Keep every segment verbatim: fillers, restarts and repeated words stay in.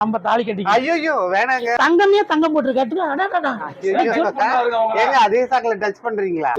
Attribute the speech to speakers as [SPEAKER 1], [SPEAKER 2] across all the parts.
[SPEAKER 1] நம்ம தாலி கட்டி
[SPEAKER 2] ஐயோ வேணாங்க.
[SPEAKER 1] தங்கமே தங்கம் போட்டு கட்டுங்க.
[SPEAKER 2] ஏங்க அதே சாக்குல டச் பண்றீங்களா?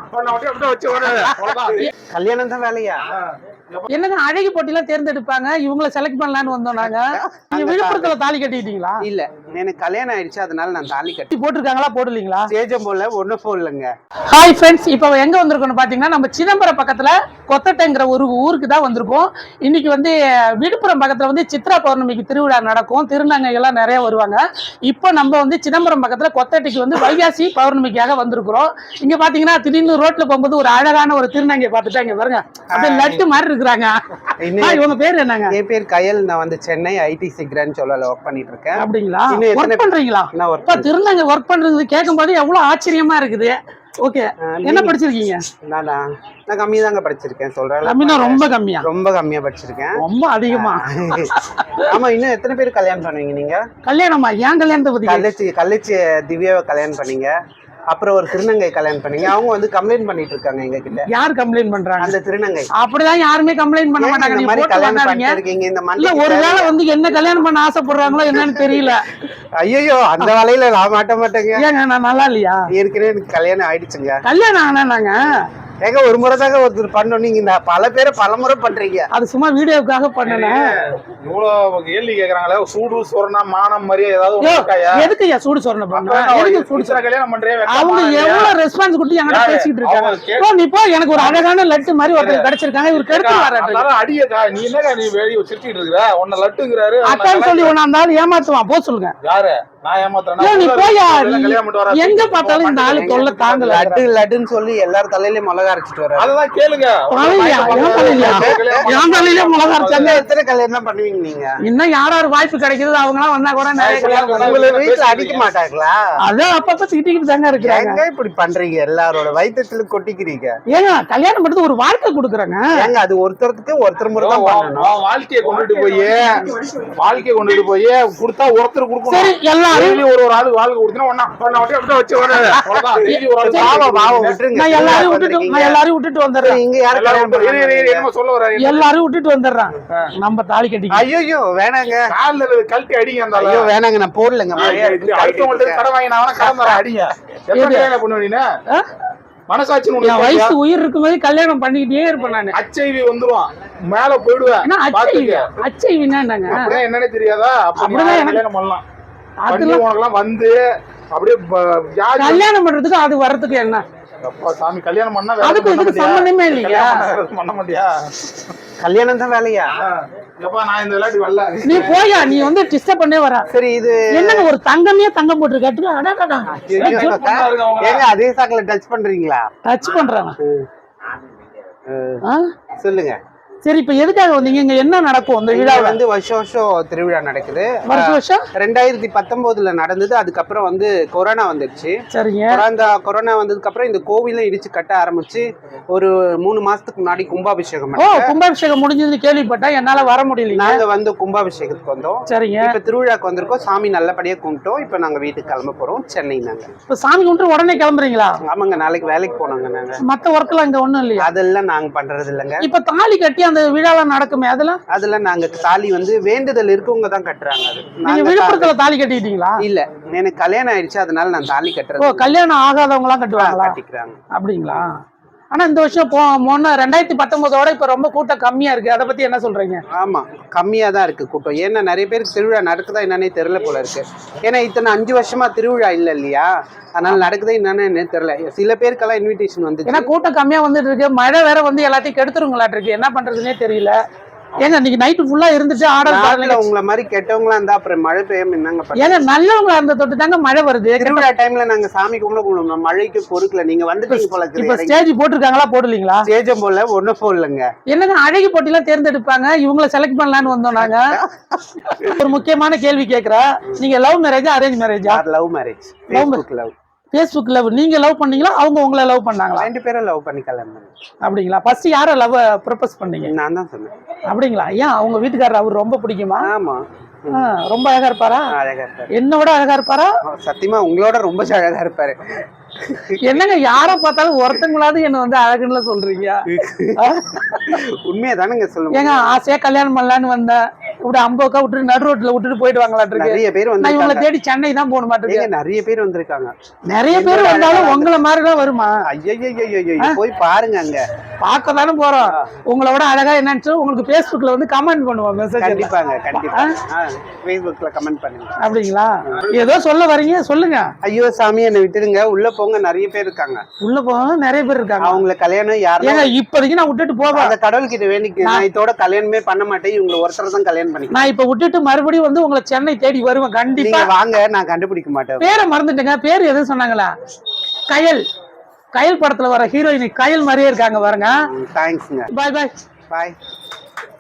[SPEAKER 2] கல்யாணம் தான் வேலையா?
[SPEAKER 1] என்னங்க அழகி போட்டிலாம் தேர்ந்தெடுப்பாங்க, இவங்கள செலக்ட் பண்ணலாம்னு வந்தோம் நாங்க. நீங்க விழுப்புரத்துல தாலி கட்டிட்டீங்களா?
[SPEAKER 2] இல்ல, எனக்கு கல்யாணம் ஆயிடுச்சு, அதனால நான் தாலி கட்டி.
[SPEAKER 1] போட்டிருக்காங்களா போடலீங்களா?
[SPEAKER 2] சேஜம் போல ஒன்னும் போடலங்க.
[SPEAKER 1] ஹாய் ஃப்ரெண்ட்ஸ், இப்போ எங்க வந்திருக்கோம்னு பாத்தீங்கன்னா நம்ம சிதம்பரம் பக்கத்துல கொத்தட்டைங்கிற ஒரு ஊருக்கு தான் வந்திருக்கோம். இன்னைக்கு வந்து விழுப்புரம் பக்கத்துல வந்து சித்ரா பௌர்ணமிக்கு திருவிழா நடக்கும், திருநங்கை எல்லாம் நிறைய வருவாங்க. இப்போ நம்ம வந்து சிதம்பரம் பக்கத்துல கொத்தட்டைக்கு வந்து வைகாசி பௌர்ணமிக்காக வந்திருக்கிறோம். இங்க பாத்தீங்கன்னா திடீர்னு ரோட்ல போகும்போது ஒரு அழகான ஒரு திருநங்கை பார்த்துட்டா இங்க பாருங்க, அப்படியே லட்டு மாதிரி இருக்கிறாங்க. இவங்க பேர் என்னங்க?
[SPEAKER 2] என் பேர் கயல். நான் வந்து சென்னை ஐடிசி கிராண்ட் சொல்லல ஒர்க் பண்ணிட்டு இருக்கேன்.
[SPEAKER 1] அப்படிங்களா? ஒர்க் பண்றீங்களா? திருநங்கை ஒர்க் பண்றது கேட்கும் போது எவ்வளவு ஆச்சரியமா இருக்குது. ஓகே, என்ன படிச்சிருக்கீங்க?
[SPEAKER 2] நானா நான் கம்மியா தாங்க படிச்சிருக்கேன். சொல்றேன்
[SPEAKER 1] கம்மினா ரொம்ப கம்மியா?
[SPEAKER 2] ரொம்ப கம்மியா படிச்சிருக்கேன்.
[SPEAKER 1] ரொம்ப அதிகமா?
[SPEAKER 2] ஆமா. இன்னும் எத்தனை பேர் கல்யாணம் பண்ணுவீங்க நீங்க?
[SPEAKER 1] கல்யாணமா? ஏன் கல்யாணத்தை பத்தி?
[SPEAKER 2] கள்ளச்சி கள்ளச்சி திவ்யாவை கல்யாணம் பண்ணீங்க, அப்புறம் ஒரு திருநங்கை கல்யாணம் பண்ணீங்க. அவங்க வந்து கம்ப்ளைண்ட் பண்ணிட்டு இருக்காங்க எங்க கிட்ட.
[SPEAKER 1] யார் கம்ப்ளைண்ட் பண்றாங்க?
[SPEAKER 2] அந்த திருநங்கை.
[SPEAKER 1] அப்படிதான் யாருமே கம்ப்ளைண்ட் பண்ண மாட்டாங்க.
[SPEAKER 2] இந்த மாதிரி கல்யாணம் பண்ணிருக்கீங்க இந்த
[SPEAKER 1] மண்ணில ஒருவேளை வந்து என்ன கல்யாணம் பண்ண ஆசைப்படுறாங்களோ என்னன்னு தெரியல.
[SPEAKER 2] ஐயோ, அந்த வேலையில நான் மாட்ட மாட்டேங்க.
[SPEAKER 1] ஏங்க நான் நல்லா இல்லையா?
[SPEAKER 2] ஏற்கனவே எனக்கு கல்யாணம் ஆயிடுச்சுங்க.
[SPEAKER 1] கல்யாணம் ஆனா நாங்க
[SPEAKER 2] ஏங்க ஒரு முறை தாங்க ஒருத்தர் பண்ணோம், நீங்க இந்த பல பேரை பல முறை பண்றீங்க.
[SPEAKER 1] அது சும்மா வீடியோக்காக பண்ணேன்.
[SPEAKER 3] இவ்வளவு கேள்வி கேக்குறாங்களே, சூடு சொரணா மானம் மாதிரி ஏதாவது
[SPEAKER 1] எதுக்கு ஐயா சூடு சொரணை பண்ண? எதுக்கு சூடு சொரணை
[SPEAKER 3] கல்யாணம் பண்றே?
[SPEAKER 1] அவங்க எவ்வளவு ரெஸ்பான்ஸ் கொடுத்து என்கிட்ட பேசிட்டு இருக்காங்க. நீ போ, எனக்கு ஒரு அழகான லட்டு மாதிரி ஒருத்தர் கிடைச்சிருக்காங்க, இவர் கெடுத்து வர்றாரு.
[SPEAKER 3] அடியக்கா நீ என்னக்கா நீ வெளிய சிரிச்சிட்டு இருக்கற? உன்ன லட்டுங்கறாரு
[SPEAKER 1] அதான் சொல்லி உன்ன அந்த ஆளு ஏமாத்துவான். போ சொல்லுங்க.
[SPEAKER 3] யாரு? நான் ஏமாத்துறேனா?
[SPEAKER 1] நீ போயா, எங்க பார்த்தாலும் இந்த ஆளு தொல்லை தாங்கல.
[SPEAKER 2] லட்டு லட்டுன்னு சொல்லி எல்லார் தலையிலயும் மிளகா அரைச்சிட்டு வர்றாரு.
[SPEAKER 3] அததான் கேளுங்க.
[SPEAKER 1] என் தலையில மிளகா அரைச்சாங்க.
[SPEAKER 2] எத்தனை கல்யாணம் பண்ணுவீங்க நீங்க?
[SPEAKER 1] இன்னும் யார் யார் வாய்ப்பு கிடைக்குது அவங்க எல்லாம் வந்தா கூட நிறைய கல்யாணம்.
[SPEAKER 2] உங்களை வீட்டுல அடிக்க மாட்டாங்களா?
[SPEAKER 1] அதான் அப்பப்ப திட்டிக்கிட்டு தாங்க இருக்கிறாங்க.
[SPEAKER 2] இப்படி பண்றீங்க, எல்லாரோட வயிற்றுல கொட்டிக்கிறீங்க.
[SPEAKER 1] ஏங்க கல்யாணம் பண்றது ஒரு வாழ்க்கை கொடுக்குறாங்க.
[SPEAKER 2] ஏங்க அது ஒருத்தருக்கு ஒருத்தர் முறை தான் பண்ணணும்.
[SPEAKER 3] வாழ்க்கையை கொண்டுட்டு போய் வாழ்க்கையை கொண்டுட்டு போய் கொடுத்தா ஒருத்தர் கொடுக்கணும்.
[SPEAKER 1] சரி, எல்லாரும்
[SPEAKER 3] ஒரு ஒரு ஆளு வாழ்க்கை கொடுத்தா ஒண்ணா ஒண்ணா அப்படியே வச்சு
[SPEAKER 1] நான் எல்லாரும் விட்டுட்டு நான் எல்லாரும் விட்டுட்டு வந்துடுறேன்.
[SPEAKER 2] இங்க யாரும்
[SPEAKER 3] என்னமோ சொல்ல வர்றாரு.
[SPEAKER 1] எல்லாரும் விட்டுட்டு வந்துடுறான். நம்ம தாலி கட்டி.
[SPEAKER 2] ஐயோ வேணாங்க,
[SPEAKER 3] கால்ல கழட்டி அடிங்க. அந்த
[SPEAKER 2] ஐயோ வேணாங்க, நான் போடலங்க.
[SPEAKER 3] அடுத்தவங்கள்ட்ட கடை வாங்கி நான் கடை தரேன், அடிங்க. எப்ப கல்யாணம் பண்ணுவீங்க? மனசாட்சி
[SPEAKER 1] வயசு உயிர் இருக்கும்போது கல்யாணம் பண்ணிக்கிட்டே இருப்பேன் நான்.
[SPEAKER 3] அச்சைவி வந்துருவான், மேல போயிடுவேன்.
[SPEAKER 1] அச்சைவினா என்னங்க?
[SPEAKER 3] அப்படியே என்னன்னே தெரியாதா? அப்படிதான் கல்யாணம் பண்ணலாம். உனக்கெல்லாம் வந்து அப்படியே
[SPEAKER 1] கல்யாணம் பண்றதுக்கு அது வர்றதுக்கு என்ன
[SPEAKER 3] சாமி? கல்யாணம் பண்ணா
[SPEAKER 1] அதுக்கு இதுக்கு சம்பந்தமே இல்லையா?
[SPEAKER 3] பண்ண மாட்டியா?
[SPEAKER 2] கல்யாணம் தான் வேலையா?
[SPEAKER 3] நான் இந்த விளையாட்டு வரல.
[SPEAKER 1] நீ போயா, நீ வந்து டிஸ்டர்ப் பண்ணே வர.
[SPEAKER 2] சரி, இது
[SPEAKER 1] என்னங்க ஒரு தங்கமே தங்கம் போட்டு கட்டுங்க.
[SPEAKER 2] ஏங்க அதே சாக்குல டச் பண்றீங்களா?
[SPEAKER 1] டச் பண்றாங்க.
[SPEAKER 2] சொல்லுங்க.
[SPEAKER 1] சரி, இப்ப எதுக்காக வந்தீங்க? இங்க என்ன நடக்கும்? இந்த விழா
[SPEAKER 2] வந்து வருஷம் வருஷம் திருவிழா நடக்குது.
[SPEAKER 1] வருஷம் வருஷம்
[SPEAKER 2] ரெண்டாயிரத்தி பத்தொன்பதுல நடந்தது. அதுக்கப்புறம் வந்து கொரோனா வந்துடுச்சு.
[SPEAKER 1] சரிங்க.
[SPEAKER 2] கொரோனா கொரோனா வந்ததுக்கு அப்புறம் இந்த கோவிலும் இடிச்சு கட்ட ஆரம்பிச்சு ஒரு மூணு மாசத்துக்கு முன்னாடி கும்பாபிஷேகம்.
[SPEAKER 1] ஓ, கும்பாபிஷேகம் முடிஞ்சது கேள்விப்பட்டேன். என்னால வர முடியல.
[SPEAKER 2] நாங்க வந்து கும்பாபிஷேகத்துக்கு வந்தோம்.
[SPEAKER 1] சரிங்க.
[SPEAKER 2] இப்ப திருவிழாக்கு வந்திருக்கோம். சாமி நல்லபடியா கும்பிட்டோம். இப்ப நாங்க வீட்டுக்கு கிளம்ப போறோம். சென்னை. நாங்க
[SPEAKER 1] இப்ப சாமி கும்பிட்டு உடனே கிளம்புறீங்களா?
[SPEAKER 2] ஆமாங்க, நாளைக்கு வேலைக்கு போனாங்க. நாங்க
[SPEAKER 1] மத்த ஒர்க் எல்லாம் இங்க ஒண்ணும் இல்லையா?
[SPEAKER 2] அதெல்லாம் நாங்க பண்றது இல்லைங்க.
[SPEAKER 1] இப்ப தாலி கட்டி அந்த விழாலாம் நடக்குமே, அதெல்லாம்
[SPEAKER 2] அதெல்லாம் நாங்க தாலி வந்து வேண்டுதல் இருக்கவங்க தான் கட்டுறாங்க.
[SPEAKER 1] நீங்க விழுப்புரத்துல தாலி கட்டிட்டீங்களா?
[SPEAKER 2] இல்ல, எனக்கு கல்யாணம் ஆயிடுச்சு, அதனால நான் தாலி கட்டுறேன்.
[SPEAKER 1] ஓ, கல்யாணம் ஆகாதவங்க எல்லாம் கட்டுவாங்களா?
[SPEAKER 2] கட்டிக்கிறாங்க. அப்படிங்களா?
[SPEAKER 1] ஆனா இந்த வருஷம் போ முன்ன ரெண்டாயிரத்தி பத்தொன்பதோட இப்ப ரொம்ப கூட்டம் கம்மியா இருக்கு. அதை பத்தி என்ன சொல்றீங்க?
[SPEAKER 2] ஆமா, கம்மியா தான் இருக்கு கூட்டம். ஏன்னா நிறைய பேருக்கு திருவிழா நடக்குதா என்னன்னே தெரியல போல இருக்கு. ஏன்னா இத்தனை அஞ்சு வருஷமா திருவிழா இல்ல இல்லையா, அதனால நடக்குதா என்னன்னு தெரியல. சில பேருக்கெல்லாம் இன்விடேஷன் வந்து
[SPEAKER 1] ஏன்னா கூட்டம் கம்மியா வந்துட்டு இருக்கு. மழை வேற வந்து எல்லாத்தையும் கெடுத்துருங்களாட்டு இருக்கு. என்ன பண்றதுன்னே தெரியல. ஏங்க இன்னைக்கு நைட்டு ஃபுல்லா இருந்துட்டு ஆர்டர் பண்ணல.
[SPEAKER 2] உங்களை மாதிரி கெட்டவங்களா இருந்தா அப்புறம் மழை பெய்யாம என்னங்க?
[SPEAKER 1] ஏங்க நல்லவங்களா இருந்த தொட்டு தாங்க மழை வருது.
[SPEAKER 2] திருவிழா டைம்ல நாங்க சாமி கும்பிட கும்பிடுவோம், மழைக்கு பொறுக்கல. நீங்க வந்துட்டீங்க போல இருக்கு.
[SPEAKER 1] இப்ப ஸ்டேஜ் போட்டிருக்காங்களா போடலீங்களா?
[SPEAKER 2] ஸ்டேஜம் போல ஒன்னும் போடலங்க.
[SPEAKER 1] என்னங்க அழகி போட்டிலாம் தேர்ந்தெடுப்பாங்க, இவங்கள செலக்ட் பண்ணலாம்னு வந்தோம் நாங்க. ஒரு முக்கியமான கேள்வி கேக்குறேன். நீங்க லவ் மேரேஜா அரேஞ்ச் மேரேஜா?
[SPEAKER 2] Love marriage. Facebook love.
[SPEAKER 1] Facebook love. நீங்க லவ் பண்ணீங்களா, அவங்க உங்களை லவ் பண்ணாங்களா?
[SPEAKER 2] ரெண்டு பேரும் லவ் பண்ணி கல்யாணம் பண்ணோம்.
[SPEAKER 1] அப்படிங்களா? ஃபர்ஸ்ட் யார லவ் ப்ரொபோஸ் பண்ணீங்க?
[SPEAKER 2] நான் தான் சொன்னேன்.
[SPEAKER 1] அப்படிங்களா? ஏன் அவங்க வீட்டுக்காரர் அவர் ரொம்ப பிடிக்குமா?
[SPEAKER 2] ஆமா,
[SPEAKER 1] ரொம்ப அழகா இருப்பாரா?
[SPEAKER 2] அழகா இருப்பாரு.
[SPEAKER 1] என்ன விட அழகா இருப்பாரா?
[SPEAKER 2] சத்தியமா உங்களோட ரொம்ப அழகா இருப்பாரு.
[SPEAKER 1] என்னங்க யார பார்த்தாலும் ஒருத்தங்களாவது என்ன வந்து அழகுன்னு சொல்றீங்க?
[SPEAKER 2] உண்மையா தானங்க சொல்லுங்க.
[SPEAKER 1] ஏங்க ஆசையா கல்யாணம் பண்ணலான்னு வந்தேன், இப்படி அம்போக்கா விட்டுட்டு நடு ரோட்ல விட்டுட்டு போயிட்டு வாங்கலாட்டு இருக்கு.
[SPEAKER 2] நிறைய பேர்
[SPEAKER 1] நான் இவங்களை
[SPEAKER 2] வந்து
[SPEAKER 1] தேடி சென்னை தான் போக மாட்டேங்க.
[SPEAKER 2] நிறைய பேர் வந்திருக்காங்க.
[SPEAKER 1] நிறைய பேர் வந்தாலும் உங்களை மாதிரிதான் வருமா?
[SPEAKER 2] ஐயோ போய் பாருங்க, அங்க
[SPEAKER 1] பார்க்க தானே போறோம். உங்களை விட அழகா என்னன்னு உங்களுக்கு Facebookல வந்து கமெண்ட் பண்ணுவோம். மெசேஜ்
[SPEAKER 2] கண்டிப்பாங்க, கண்டிப்பா Facebookல கமெண்ட் பண்ணுங்க.
[SPEAKER 1] அப்படிங்களா? ஏதோ சொல்ல வரீங்க, சொல்லுங்க.
[SPEAKER 2] ஐயோ சாமி என்ன விட்டுடுங்க, உள்ள போங்க, நிறைய பேர் இருக்காங்க.
[SPEAKER 1] உள்ள போங்க, நிறைய பேர் இருக்காங்க.
[SPEAKER 2] அவங்களுக்கு கல்யாணம் யாரும்
[SPEAKER 1] ஏங்க இப்போதைக்கு நான் விட்டுட்டு போவேன்.
[SPEAKER 2] அந்த கடவுள் கிட்ட வேண்டிக்கு நான் இதோட கல்யாணமே பண்ண மாட்டேன், இவங்க ஒருத்தர் தான் கல்யாணம் பண்ணி.
[SPEAKER 1] நான் இப்ப விட்டுட்டு மறுபடியும் வந்து உங்களை சென்னை தேடி வருவேன் கண்டிப்பா.
[SPEAKER 2] வாங்க, நான் கண்டுபிடிக்க மாட்டேன்.
[SPEAKER 1] பேரை மறந்துட்டேங்க. பேர் எதுவும் சொன்னாங்களா? கயல். கயல் படத்துல வர ஹீரோயினி கயல் மாதிரியே இருக்காங்க பாருங்க.
[SPEAKER 2] தேங்க்ஸ்ங்க.
[SPEAKER 1] பாய் பாய்
[SPEAKER 2] பாய்.